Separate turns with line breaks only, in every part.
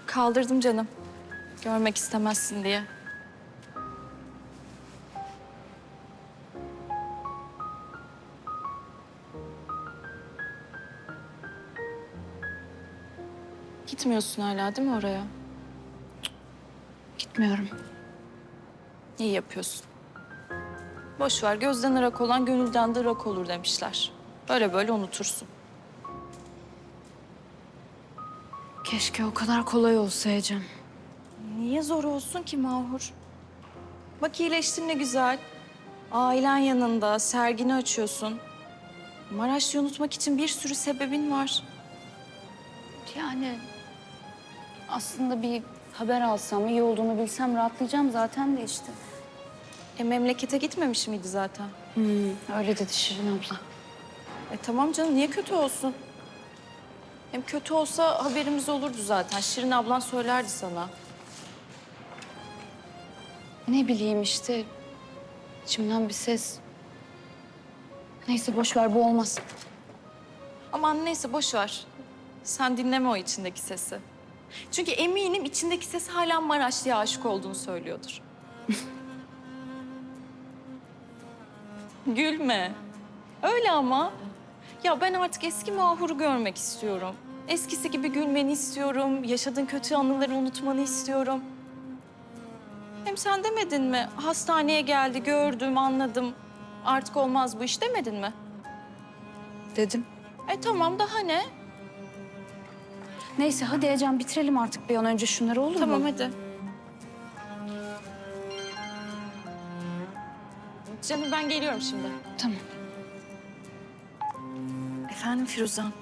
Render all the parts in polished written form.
Kaldırdım canım. Görmek istemezsin diye. Gitmiyorsun hala değil mi oraya?
Gitmiyorum.
İyi yapıyorsun. Boş ver, gözden ırak olan gönülden de ırak olur demişler. Böyle böyle unutursun.
Keşke o kadar kolay olsa Ecem.
Niye zor olsun ki Mahur? Bak iyileştin ne güzel. Ailen yanında, sergini açıyorsun. Maraş'ı unutmak için bir sürü sebebin var.
Yani aslında bir haber alsam, iyi olduğunu bilsem rahatlayacağım zaten de işte.
Memlekete gitmemiş miydi zaten?
Öyle dedi Şirin abla.
Tamam canım, niye kötü olsun? Hem kötü olsa haberimiz olurdu zaten. Şirin ablan söylerdi sana.
Ne bileyim işte, içimden bir ses. Neyse boş ver, bu olmaz.
Aman neyse boş ver. Sen dinleme o içindeki sesi. Çünkü eminim içindeki ses hala Maraşlı'ya aşık olduğunu söylüyordur. Gülme. Öyle ama. Ya ben artık eski Mahur'u görmek istiyorum. Eskisi gibi gülmeni istiyorum. Yaşadığın kötü anıları unutmanı istiyorum. Hem sen demedin mi? Hastaneye geldi, gördüm, anladım. Artık olmaz bu iş demedin mi?
Dedim.
Tamam daha ne?
Neyse hadi Ecem bitirelim artık bir an önce şunları, olur mu?
Tamam hadi. Canım ben geliyorum şimdi.
Tamam.
Efendim Firuzan.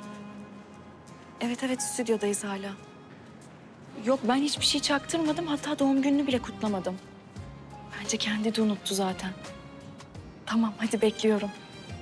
Evet stüdyodayız hala. Yok ben hiçbir şey çaktırmadım. Hatta doğum gününü bile kutlamadım. Bence kendi de unuttu zaten. Tamam hadi bekliyorum.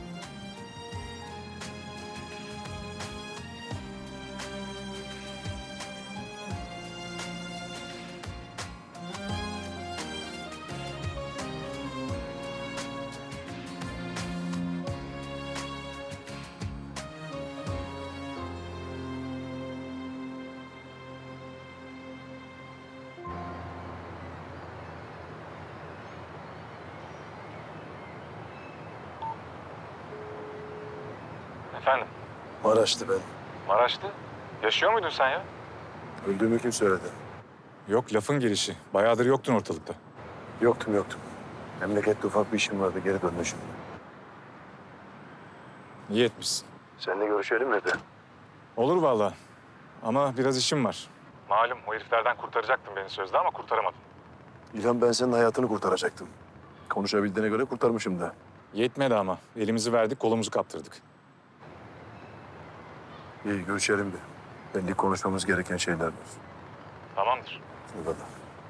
Efendim?
Maraş'tı ben.
Maraş'tı. Yaşıyor muydun sen ya?
Öldüğümü kim söyledi?
Yok, lafın gelişi. Bayağıdır yoktun ortalıkta.
Yoktum. Memlekette ufak bir işim vardı, geri döndüm şimdi.
İyi etmişsin.
Seninle görüşelim mi de?
Olur vallahi. Ama biraz işim var. Malum o heriflerden kurtaracaktın beni sözde ama kurtaramadın.
İlhan, ben senin hayatını kurtaracaktım. Konuşabildiğine göre kurtarmışım da.
Yetmedi ama. Elimizi verdik, kolumuzu kaptırdık.
İyi, görüşelim bir. Belli konuşmamız gereken şeyler var.
Tamamdır.
O kadar.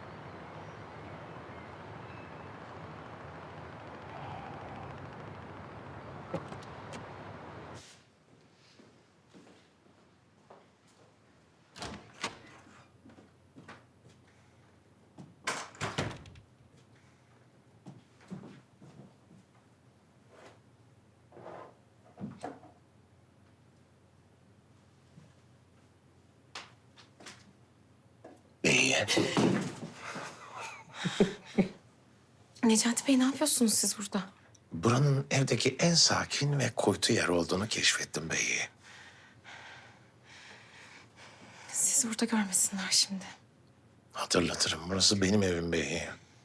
İyi.
Necati Bey ne yapıyorsunuz siz burada?
Buranın evdeki en sakin ve kuytu yer olduğunu keşfettim beyi.
Sizi burada görmesinler şimdi.
Hatırlatırım, burası benim evim beyi.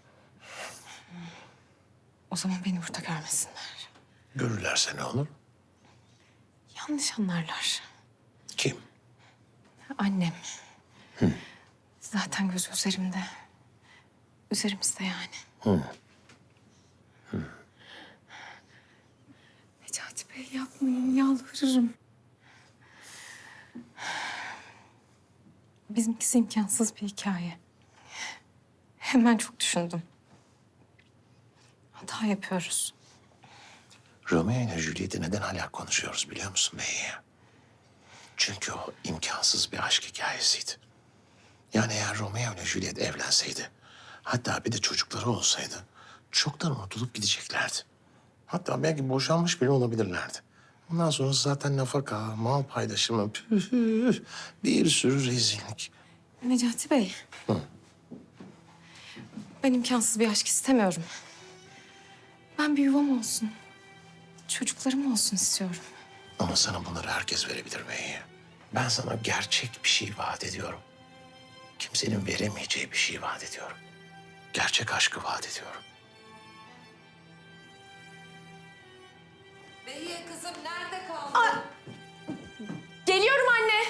O zaman beni burada görmesinler.
Görürlerse ne olur?
Yanlış anlarlar.
Kim?
Annem. Zaten gözü üzerimde. Üzerimizde yani. Necati Bey yapmayın, yalvarırım. Bizimkisi imkansız bir hikaye. Hemen çok düşündüm. Hata yapıyoruz.
Romeo ile Juliet'i neden hala konuşuyoruz biliyor musun beyi? Çünkü o imkansız bir aşk hikayesiydi. Yani eğer Romeo ile Juliet evlenseydi, hatta bir de çocukları olsaydı, çoktan unutulup gideceklerdi. Hatta belki boşanmış bile olabilirlerdi. Ondan sonra zaten nafaka, mal paylaşımı, püh, bir sürü rezillik.
Necati Bey. Ben imkansız bir aşk istemiyorum. Ben bir yuvam olsun. Çocuklarım olsun istiyorum.
Ama sana bunları herkes verebilir Bey. Ben sana gerçek bir şey vaat ediyorum. Kimsenin veremeyeceği bir şey vaat ediyorum. Gerçek aşkı vaat ediyorum.
Behiye kızım nerede kaldın? Geliyorum anne.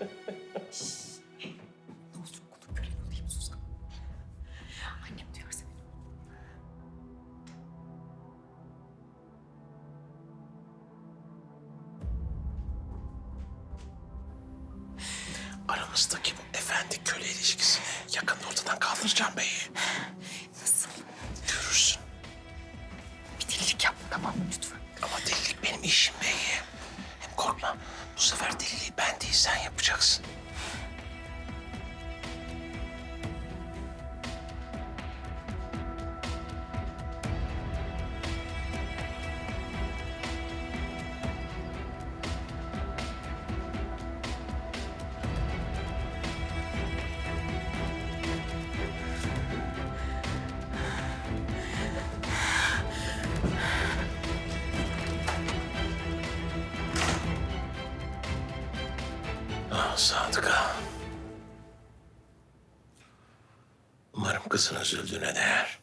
Ne olur okulun kölen olayım Suzan. Annem duyarsa beni.
Aramızdaki bu efendi köle ilişkisini yakında ortadan kaldıracağım Bey.
Nasıl?
Görürsün.
Bir delilik yapma tamam mı lütfen?
Ama delilik benim işim Bey. Hem korkma, bu sefer deliliği ben değil sen yapacaksın. Ah Sadıka. Umarım kızın üzüldüğüne değer.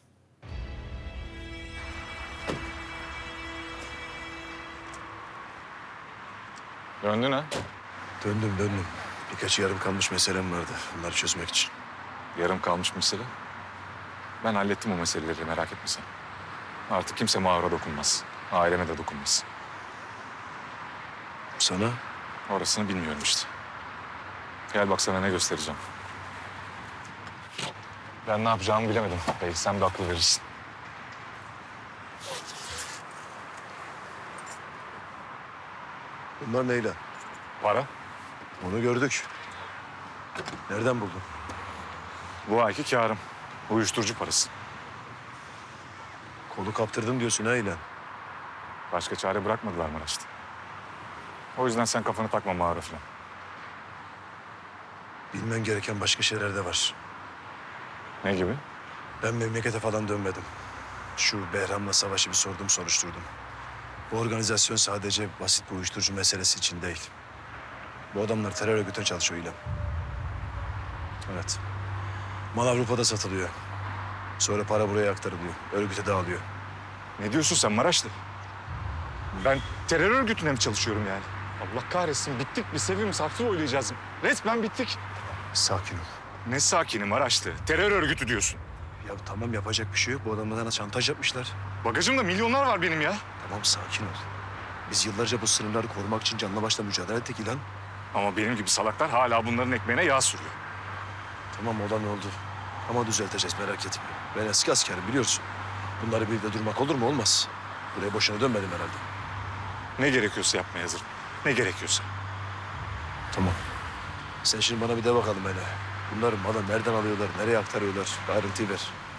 Döndün ha?
Döndüm. Birkaç yarım kalmış meselem vardı. Bunları çözmek için.
Yarım kalmış mesele. Ben hallettim o meseleleri, merak etme sen. Artık kimse Mahur'a dokunmaz. Aileme de dokunmaz.
Sana
Orasını bilmiyorum işte. Gel bak sana ne göstereceğim. Ben ne yapacağımı bilemedim. Belki sen de akıl verirsin.
bunlar neyle?
Para?
Onu gördük. Nereden buldun?
Bu ayki kârım. Uyuşturucu parası.
Kolu kaptırdım diyorsun ha İlhan.
Başka çare bırakmadılar Maraş'ta. O yüzden sen kafanı takma Mahur'a falan.
Bilmen gereken başka şeyler de var.
Ne gibi?
Ben memlekete falan dönmedim. Şu Behram'la savaşı bir sordum, soruşturdum. Bu organizasyon sadece basit bir uyuşturucu meselesi için değil. Bu adamlar terör örgütüne çalışıyor İlhan. Evet. Mal Avrupa'da satılıyor. Sonra para buraya aktarılıyor. Örgüte dağılıyor.
Ne diyorsun sen Maraşlı? Ben terör örgütüne mi çalışıyorum yani? Allah kahretsin bittik biz hepimiz haklı oylayacağız. Resmen bittik.
Sakin ol.
Ne sakini Maraşlı? Terör örgütü diyorsun.
Ya tamam yapacak bir şey yok. Bu adamlar sana şantaj yapmışlar.
Bagajımda milyonlar var benim ya.
Tamam sakin ol. Biz yıllarca bu sınırları korumak için canla başla mücadele ettik İlhan.
Ama benim gibi salaklar hala bunların ekmeğine yağ sürüyor.
Tamam olan oldu. Ama düzelteceğiz merak etme. Ben eski askerim biliyorsun. Bunları bir de durmak olur mu? Olmaz. Buraya boşuna dönmedim herhalde.
Ne gerekiyorsa yapmaya hazırım. Ne gerekiyorsa.
Tamam. Sen şimdi bana bir de bakalım hele. Bunları malı nereden alıyorlar, nereye aktarıyorlar? Bir ayrıntıyı ver.